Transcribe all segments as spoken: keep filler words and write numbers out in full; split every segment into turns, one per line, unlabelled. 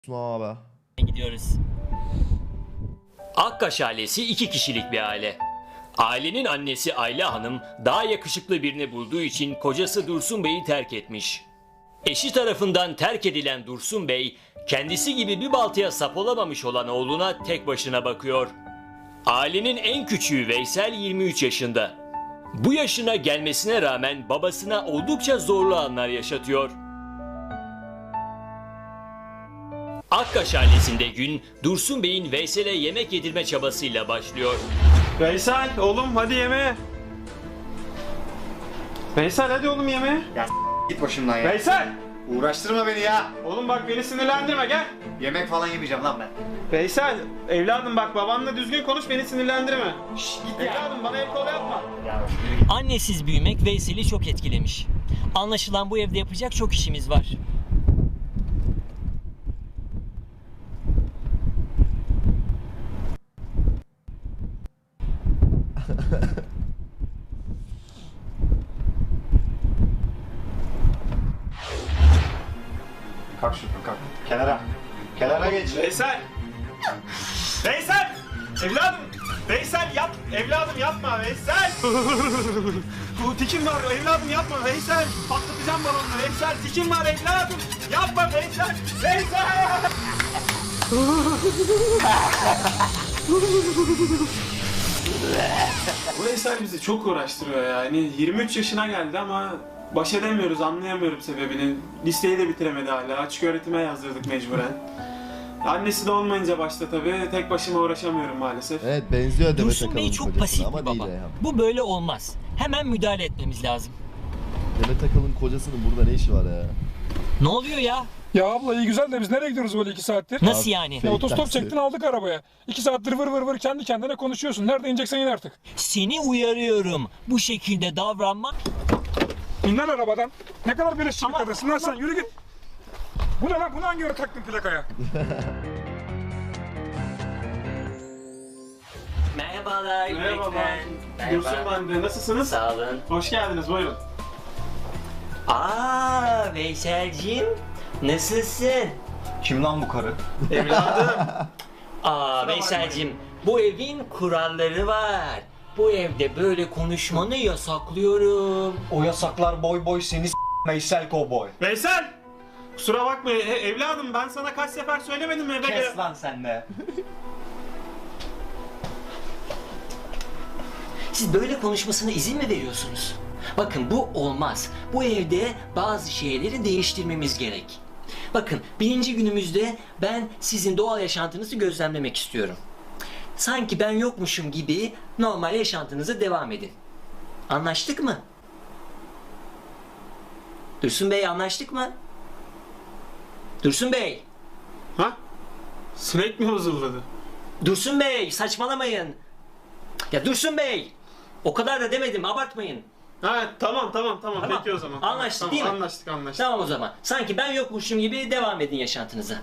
Abi.
Gidiyoruz. Akkaş ailesi iki kişilik bir aile. Ailenin annesi Ayla Hanım daha yakışıklı birini bulduğu için kocası Dursun Bey'i terk etmiş. Eşi tarafından terk edilen Dursun Bey, kendisi gibi bir baltaya sap olamamış olan oğluna tek başına bakıyor. Ailenin en küçüğü Veysel yirmi üç yaşında. Bu yaşına gelmesine rağmen babasına oldukça zorlu anlar yaşatıyor. Akkaş ailesinde gün Dursun Bey'in Veysel'e yemek yedirme çabasıyla başlıyor.
Veysel oğlum hadi yemeğe. Veysel hadi oğlum yemeğe.
Ya git başımdan ya.
Veysel!
Uğraştırma beni ya.
Oğlum bak beni sinirlendirme gel.
Yemek falan yemeyeceğim lan ben.
Veysel evladım bak babanla düzgün konuş beni sinirlendirme.
Şşş git ya.
Evladım bana el kol yapma.
Ya
Annesiz büyümek Veysel'i çok etkilemiş. Anlaşılan bu evde yapacak çok işimiz var.
kalk şuradan kalk. Kenara. Kenara geç.
Veysel! Veysel! Evladım! Veysel yap! Evladım yapma Veysel! Bu tikim var evladım yapma Veysel! Patlatacağım balonunu Veysel! Tikim var evladım! Yapma Veysel! Veysel! Bu Veysel bizi çok uğraştırıyor yani. yirmi üç yaşına geldi ama baş edemiyoruz, anlayamıyorum sebebini. Listeyi de bitiremedi hala. Açık öğretime yazdırdık mecburen. Annesi de olmayınca başta tabii tek başıma uğraşamıyorum maalesef.
Evet benziyor Demet
Dursun Bey
Akalın
çok
kocasına
pasif
ama
bir
değil
baba.
ya.
Bu böyle olmaz. Hemen müdahale etmemiz lazım.
Demet Akalın kocasının burada ne işi var ya?
Ne oluyor ya?
Ya abla iyi güzel de biz nereye gidiyoruz böyle iki saattir?
Nasıl
Abi,
yani?
fake
Otostop
taksi.
çektin aldık arabaya. İki saattir vır vır vır kendi kendine konuşuyorsun. Nerede ineceksen in artık.
Seni uyarıyorum. Bu şekilde davranma.
İn lan arabadan. Ne kadar bir eşçilik adasın lan sen yürü git. Bu ne lan? Bunu hangi yere taktın plakaya?
Merhabalar
Merhaba.
öğretmen.
Dursun ben de. Nasılsınız?
Sağ olun.
Hoş geldiniz buyurun.
Aa Veyselciğim. Nasılsın?
Kim lan bu karı?
Evladım.
Aa Veyselciğim. Bu evin kuralları var. Bu evde böyle konuşmanı yasaklıyorum.
O yasaklar boy boy seni s*** Veysel kovboy.
Veysel! Kusura bakma e- evladım ben sana kaç sefer söylemedim mi eve gel.
Kes lan sen de.
Siz böyle konuşmasına izin mi veriyorsunuz? Bakın bu olmaz. Bu evde bazı şeyleri değiştirmemiz gerek. Bakın birinci günümüzde ben sizin doğal yaşantınızı gözlemlemek istiyorum. Sanki ben yokmuşum gibi normal yaşantınıza devam edin. Anlaştık mı? Dursun Bey anlaştık mı? Dursun Bey!
Ha? Sinek mi huzurladı?
Dursun Bey saçmalamayın. Ya Dursun Bey! O kadar da demedim abartmayın.
Ha tamam tamam tamam,
Tamam.
peki o zaman.
Anlaştık
tamam,
değil mi?
Anlaştık anlaştık.
Tamam o zaman. Sanki ben yokmuşum gibi devam edin yaşantınıza.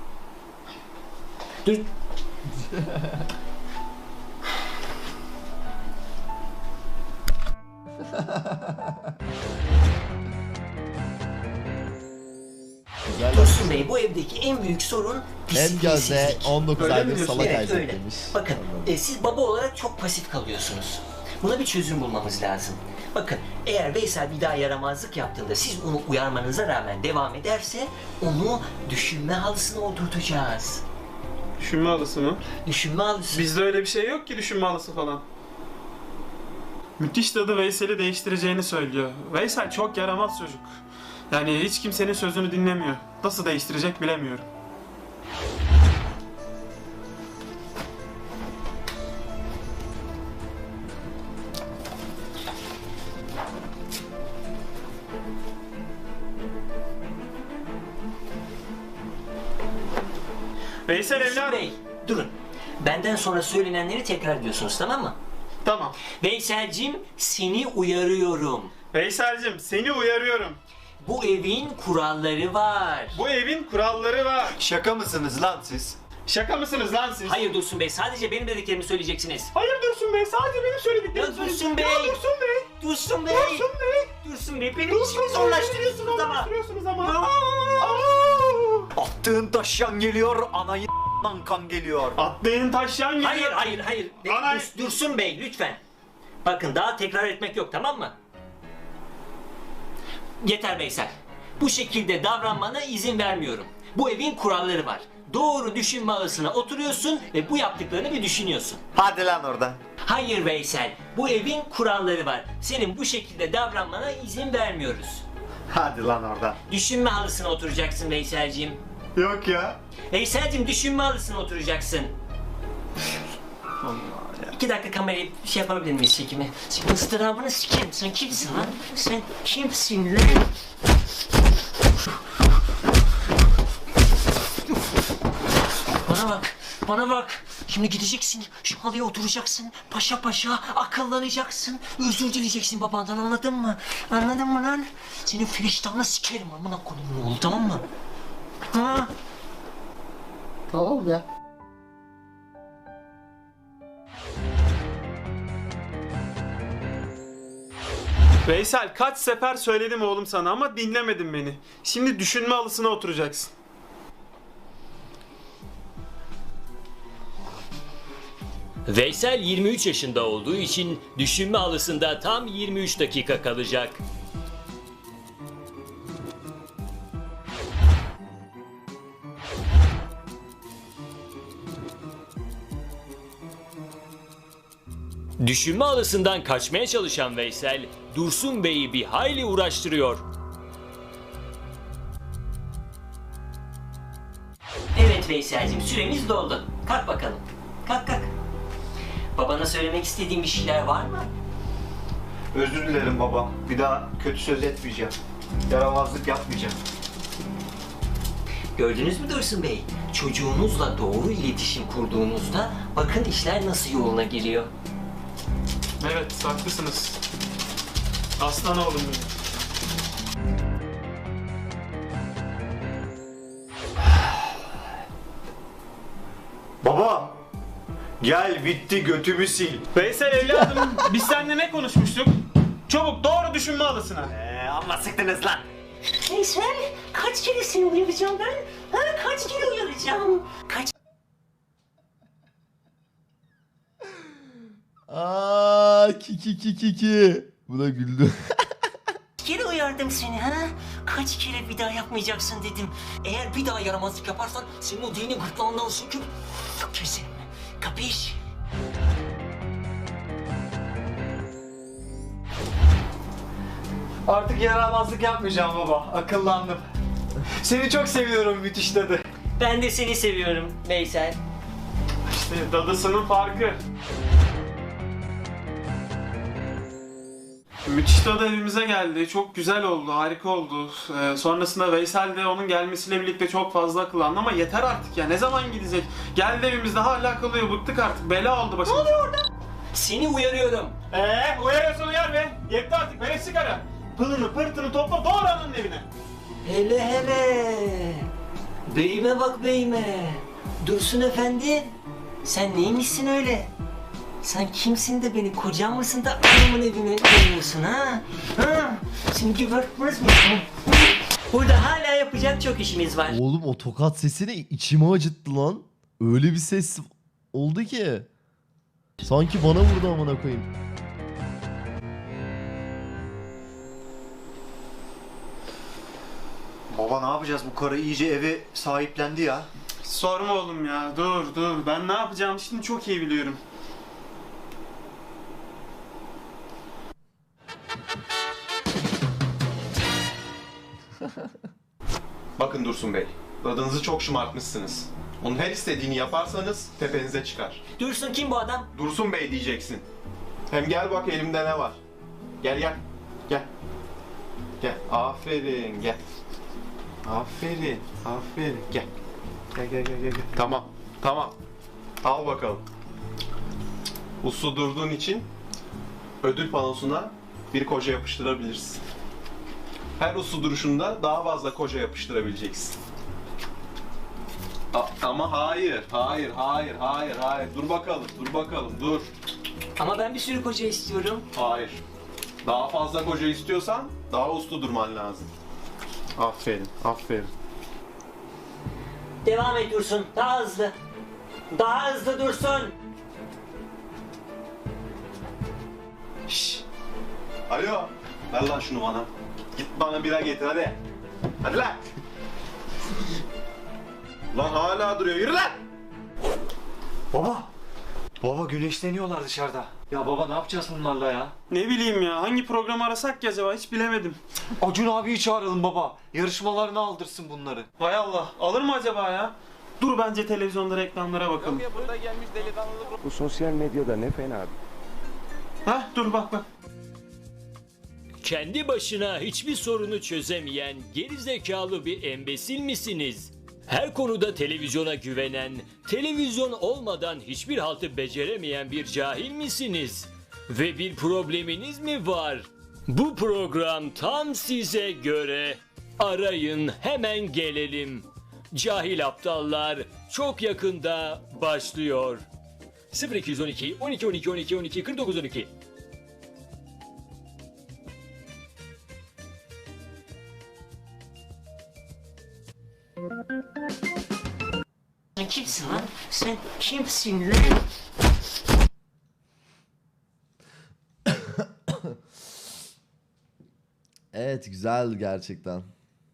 Dur.
Güzel.
Dursun Bey bu evdeki en büyük sorun
Hem gözde
disiplinsizlik.
on dokuz
Öyle mi
aydır
diyorsun?
salak
Evet
Isaac
öyle.
demiş.
Bakın
Anladım.
e, siz baba olarak çok pasif kalıyorsunuz. Buna bir çözüm bulmamız lazım. Bakın eğer Veysel bir daha yaramazlık yaptığında siz onu uyarmanıza rağmen devam ederse onu düşünme halısına oturtacağız.
Düşünme halısı mı?
Düşünme halısı.
Bizde öyle bir şey yok ki düşünme halısı falan. Müthiş dadı Veysel'i değiştireceğini söylüyor. Veysel çok yaramaz çocuk. Yani hiç kimsenin sözünü dinlemiyor. Nasıl değiştirecek bilemiyorum. Veysel
Dursun
evladım.
Bey durun. Benden sonra söylenenleri tekrar ediyorsunuz tamam mı?
Tamam.
Veyselcim seni uyarıyorum.
Veysel'cim seni uyarıyorum.
Bu evin kuralları var.
Bu evin kuralları var.
Şaka mısınız lan siz?
Şaka mısınız lan siz?
Hayır Dursun Bey sadece benim dediklerimi söyleyeceksiniz.
Hayır Dursun Bey, sadece benim söylediklerimi
Ya Dursun
söyleyeceksiniz.
Bey!
Ya Dursun Bey!
Dursun Bey!
Dursun Bey!
Dursun Bey benim
Dursun
işimi
Bey!
zorlaştırıyorsunuz ama.
Zorlaştırıyorsunuz ama.
Aa!
Aa!
Oh,
Attığın taşyan geliyor, anayı kan geliyor.
Atlayın taşyan geliyor.
Hayır hayır hayır. Be-
Ana-
Dur- Dursun Bey lütfen. Bakın daha tekrar etmek yok, tamam mı? Yeter Veysel. Bu şekilde davranmana izin vermiyorum. Bu evin kuralları var. Doğru düşünme ağısına oturuyorsun ve bu yaptıklarını bir düşünüyorsun.
Hadi lan oradan.
Hayır Veysel, bu evin kuralları var. Senin bu şekilde davranmana izin vermiyoruz.
Hadi lan oradan.
Düşünme halısına oturacaksın Veyselciğim.
Yok ya.
Veyselciğim düşünme halısına oturacaksın. İki dakika kamerayı şey yapabilir miyiz çekimi? Senin ıstırabını sikerim. Sen kimsin lan? Sen kimsin lan? Bana bak, bana bak. Şimdi gideceksin, şu halıya oturacaksın, paşa paşa akıllanacaksın, özür dileyeceksin babandan, anladın mı? Anladın mı lan? Senin firiştahını sikerim amına kodumun oğlu, tamam mı? Ha?
Tamam ya.
Veysel kaç sefer söyledim oğlum sana ama dinlemedin beni. Şimdi düşünme halısına oturacaksın.
Veysel yirmi üç yaşında olduğu için düşünme halısında tam yirmi üç dakika kalacak. Düşünme halısından kaçmaya çalışan Veysel, Dursun Bey'i bir hayli uğraştırıyor. Evet Veysel'cim, süremiz doldu. Kalk bakalım. Kalk kalk. Babana söylemek istediğin bir şeyler var mı?
Özür dilerim baba. Bir daha kötü söz etmeyeceğim. Yaramazlık yapmayacağım.
Gördünüz mü Dursun Bey? Çocuğunuzla doğru iletişim kurduğunuzda bakın işler nasıl yoluna giriyor.
Evet haklısınız. Aslan oğlum benim.
Baba! Gel bitti götümü sil.
Veysel evladım biz seninle ne konuşmuştuk? Çabuk doğru düşünme halısına.
Eee amma sıktınız lan.
Veysel, kaç kere seni uyaracağım ben? Ha, kaç kere uyaracağım? Kaç
Aa, ki ki ki ki ki. Bu da güldü.
kere uyardım seni ha? Kaç kere bir daha yapmayacaksın dedim. Eğer bir daha yaramazlık yaparsan senin o dini gırtlağından söküp keserim. Kapış?
Artık yaramazlık yapmayacağım baba. Akıllandım. Seni çok seviyorum müthiş dadı.
Ben de seni seviyorum Veysel.
İşte dadısının farkı. Müthiş dadı evimize geldi. Çok güzel oldu, harika oldu. Ee, sonrasında Veysel de onun gelmesiyle birlikte çok fazla akıllandı ama yeter artık ya. Ne zaman gidecek? Geldi evimizde hala kalıyor. Bıktık artık. Bela oldu başımıza. Ne oluyor orada?
Seni uyarıyorum.
Eee uyarıyorsun uyar be. Yetti artık. Beni sigara. Pılını pırtını topla doğru ananın evine.
Hele hele. Beyime bak beyime. Dursun efendi. Sen neymişsin öyle? Sen kimsin de beni kocam mısın da anamın evine geliyorsun ha? Ha? Seni gebertmez miyim? Burada hala yapacak çok işimiz var.
Oğlum o tokat sesini içime acıttı lan. Öyle bir ses oldu ki. Sanki bana vurdu amına koyayım.
Baba ne yapacağız, bu karı iyice evi sahiplendi ya.
Sorma oğlum ya. Dur dur. Ben ne yapacağım şimdi çok iyi biliyorum.
Bakın Dursun Bey, dadınızı çok şımartmışsınız. Onun her istediğini yaparsanız tepenize çıkar.
Dursun kim bu adam?
Dursun Bey diyeceksin. Hem gel bak elimde ne var. Gel gel. Gel. Gel. Aferin gel. Aferin. Aferin. Gel. Gel gel gel gel. gel. Tamam. Tamam. Al bakalım. Uslu durduğun için ödül panosuna bir koca yapıştırabilirsin. Her uslu duruşunda daha fazla koca yapıştırabileceksin. A- ama hayır, hayır, hayır, hayır, hayır. Dur bakalım, dur bakalım, dur.
Ama ben bir sürü koca istiyorum.
Hayır. Daha fazla koca istiyorsan daha uslu durman lazım. Aferin, aferin.
Devam et Dursun. Daha hızlı. Daha hızlı Dursun.
Şşş. Alo. Ver lan şunu bana. Git bana bira getir hadi. Hadi lan. Lan hala duruyor. Yürü lan.
Baba. Baba güneşleniyorlar dışarıda. Ya baba ne yapacağız bunlarla ya?
Ne bileyim ya, hangi programı arasak ki acaba, hiç bilemedim.
Acun abiyi çağıralım baba. Yarışmalarına aldırsın bunları.
Hay Allah, alır mı acaba ya? Dur bence televizyonda reklamlara bakalım.
Bu sosyal medyada ne fena.
Hah, dur bak bak.
Kendi başına hiçbir sorunu çözemeyen gerizekalı bir embesil misiniz? Her konuda televizyona güvenen, televizyon olmadan hiçbir haltı beceremeyen bir cahil misiniz? Ve bir probleminiz mi var? Bu program tam size göre. Arayın, hemen gelelim. Cahil aptallar çok yakında başlıyor. sıfır iki yüz on iki on iki on iki on iki on iki kırk dokuz on iki. Sen kimsin lan? Sen kimsin lan?
Evet, güzel gerçekten.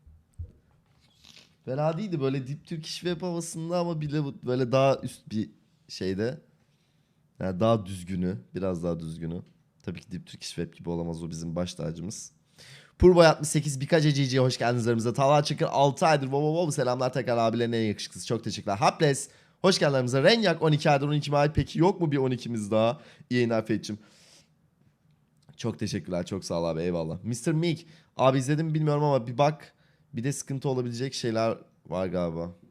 Fena değildi böyle Deep Turkish Web havasında ama bile bu- böyle daha üst bir şeyde. Yani daha düzgünü, biraz daha düzgünü. Tabii ki Deep Turkish Web gibi olamaz, o bizim baş tacımız. Purboy altmış sekiz birkaç eciciye hoş geldiniz aramıza. Talha Çakır altı aydır wow wow wow selamlar tekrar abilerin en yakışıklısı, çok teşekkürler. Hapless hoş geldin aramıza. Renyak on iki aydır on iki ay, peki yok mu bir on ikimiz daha? İyi yayınlar Feyç'im. Çok teşekkürler, çok sağ ol abi, eyvallah. mister Meek abi izledim bilmiyorum ama bir bak, bir de sıkıntı olabilecek şeyler var galiba.